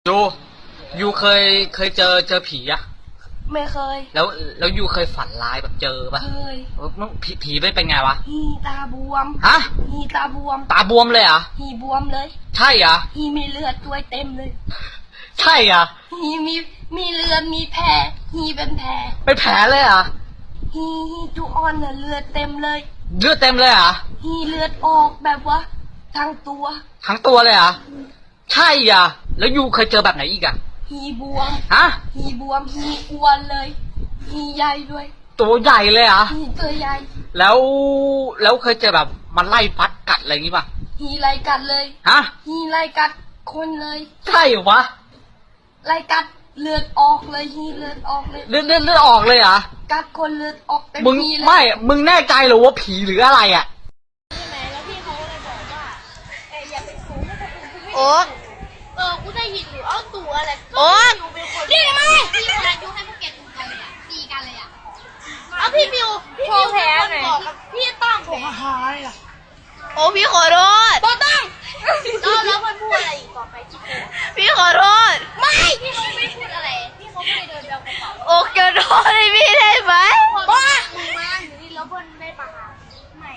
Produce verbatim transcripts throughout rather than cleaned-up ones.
ยูยูเคยเคยเจอเจอผีอะไม่เคยแล้วแล้วยูเคยฝันร้ายแบบเจอปะเคยผีผีไม่เป็นไงวะหีตาบวมฮะหีตาบวมตาบวมเลยอ่ะหีบวมเลยใช่อ่ะหีมีเลือดตัวเต็มเลยใช่อ่ะหีมีมีเลือดมีแผลหีเป็นแผลเป็นแผลเลยอ่ะหีหีจุอ่อนเนี่ยเลือดเต็มเลยเลือดเต็มเลยอ่ะหีเลือดออกแบบว่าทั้งตัวทั้งตัวเลยอ่ะใช่อ่ะแล้วยูเคยเจอแบบไหนอีกอ่ะหีบวมฮะหีบวมหีอ้วนเลยหีใหญ่ด้วยตัวใหญ่เลยอ่ะหีตัวใหญ่แล้วแล้วเคยเจอแบบมันไล่ฟัดกัดอะไรอย่างงี้ป่ะหีไล่กัดเลยฮะหีไล่กัดคนเลยใช่เหรอวะไล่กัดเลือดออกเลยหีเลือดออกเลยเลือดเลือดเลือดออกเลยอ่ะกัดคนเลือดออกเต็มที่เลยไม่มึงแน่ใจหรือว่าผีหรืออะไรอ่ะใช่ไหมแล้วพี่เขาเลยบอกว่าเอออย่าไปสูงถ้าคนอื่นโอ๊กเออกูได้ยินอยู่เอาตัวอะไรโอ๊กนี่ไหมพี่คนนั้นยุให้พวกแกดูกันเลยอ่ะตีกันเลยอ่ะเอาพี่บิวพี่บิวแพ้หน่อยพี่ต้องแพ้หายอ่ะโอ้พี่ขอโทษบอต้องแล้วแล้วมันพูดอะไรอีกต่อไปที่พี่ขอโทษไม่พี่เขาไม่พูดอะไรพี่เขาไม่ได้เดินเดินกระเป๋าโอ๊กจะโทษให้พี่ได้ไหมบ้ามึงมาอยู่นี่แล้วเบิ้ลไม่ปะไม่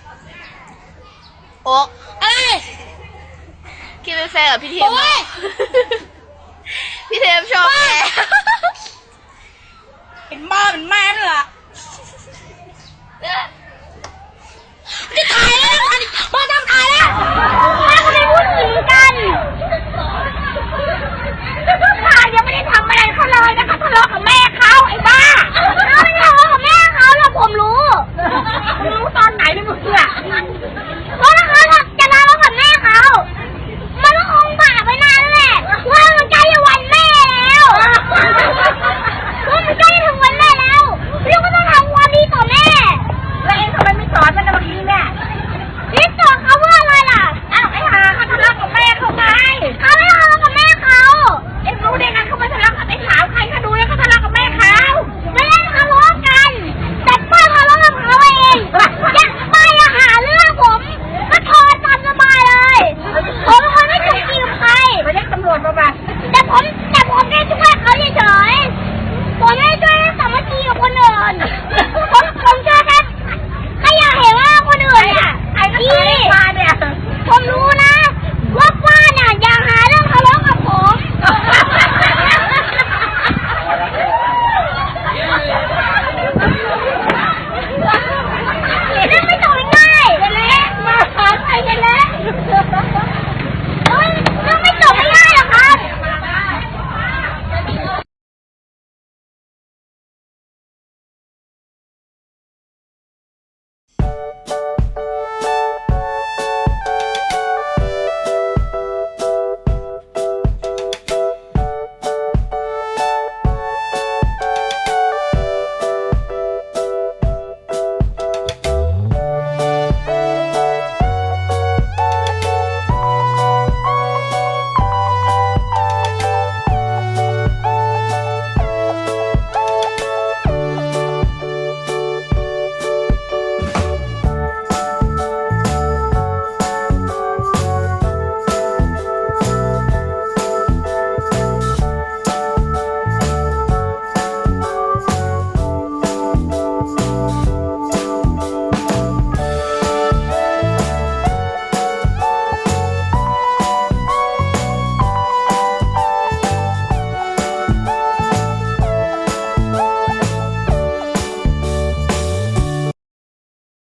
โอ๊กอะไรคิดเป็นแฟนกับพี่เทมพี่เทมชอบแกเป็นบ้าเป็นแม่เลยอ่ะจะถ่ายแล้วมาทำถ่ายแล้วมาทำไมพูดถึงกันถ่ายยังไม่ได้ทำอะไรเขาเลยนะคะทะเลาะกับแม่เขาไอ้บ้าเขาไม่ทะเลาะกับแม่เขาแล้วผมรู้รู้ตอนไหนไม่รู้อ่ะเพราะเขาจะทะเลาะกับแม่เขามันก็คงบาปไปนานแหละว่ามันใกล้จะวันแม่แล้วว่ามันใกล้ถึงวันแม่แล้วพี่ก็ต้องทำความดีต่อแม่แล้วเองทำไมไม่สอนมันในบางทีแม่พี่สอนเขาว่าอะไรล่ะอ้าวไอ้ห่าเขาทะเลาะกับแม่เขาไงเขาไม่ทะเลาะกับแม่เขาเอ็งรู้ได้ไงเขาไม่ทะเลาะกับไอ้สาวใครเขาดูแล้วเขาทะเลาะกับแม่เขาไม่ได้ทะเลาะกันแต่ป้าทะเลาะกับเขาเองอยากป้าอย่าหาเรื่องผมก็โทรตามสบายเลยผมเป็นคนไม่ถูกตีกับใครไปเรียกตำรวจมาบ้างแต่ผมแต่ผมแค่ช่วยเขาเฉยๆผมไม่ช่วยสามัคคีกับคนอื่น